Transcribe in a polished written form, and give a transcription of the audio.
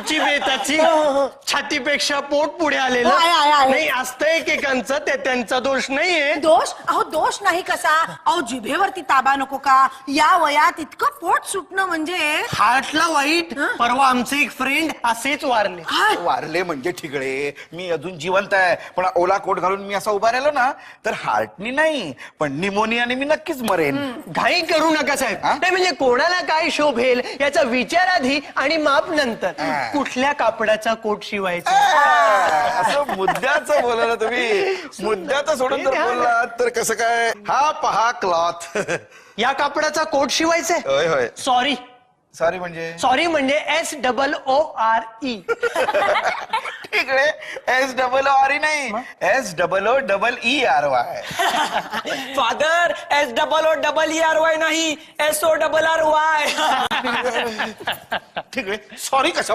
आमची बेताची छातीपेक्षा पोट पुढे आलेलं आहे. नाही असतं एकेकांचं, ते त्यांचा दोष नाहीये. दोष? अहो दोष नाही कसा, अहो जिभेवरती ताबा नको का? या वयात इतकं पोट सुटणं म्हणजे हार्टला वाईट. परवा आमचे एक फ्रेंड असेच वारले. वारले म्हणजे ठिगळे, मी अजून जिवंत आहे, पण ओला कोट घालून मी असा उभा राहिलो ना तर हार्टनी नाही पण निमोनियाने मी नक्कीच मरेन. घाई करू नका साहेब. नाही म्हणजे कोणाला काय शोभेल याचा विचार आधी आणि माप नंतर. कुठल्या कापडाचा कोट शिवायचा. असं मुद्द्याचं बोला ना तुम्ही, मुद्द्याचं सोडून जर बोललात तर कसं काय. हा पहा क्लॉथ. या कापडाचा कोट शिवायचाय. होय होय. सॉरी सॉरी म्हणजे SOORE. ठिगळे SOORE नाही, SOOERY. फादर SOOERY नाही SORRY. ठिगळे सॉरी कशा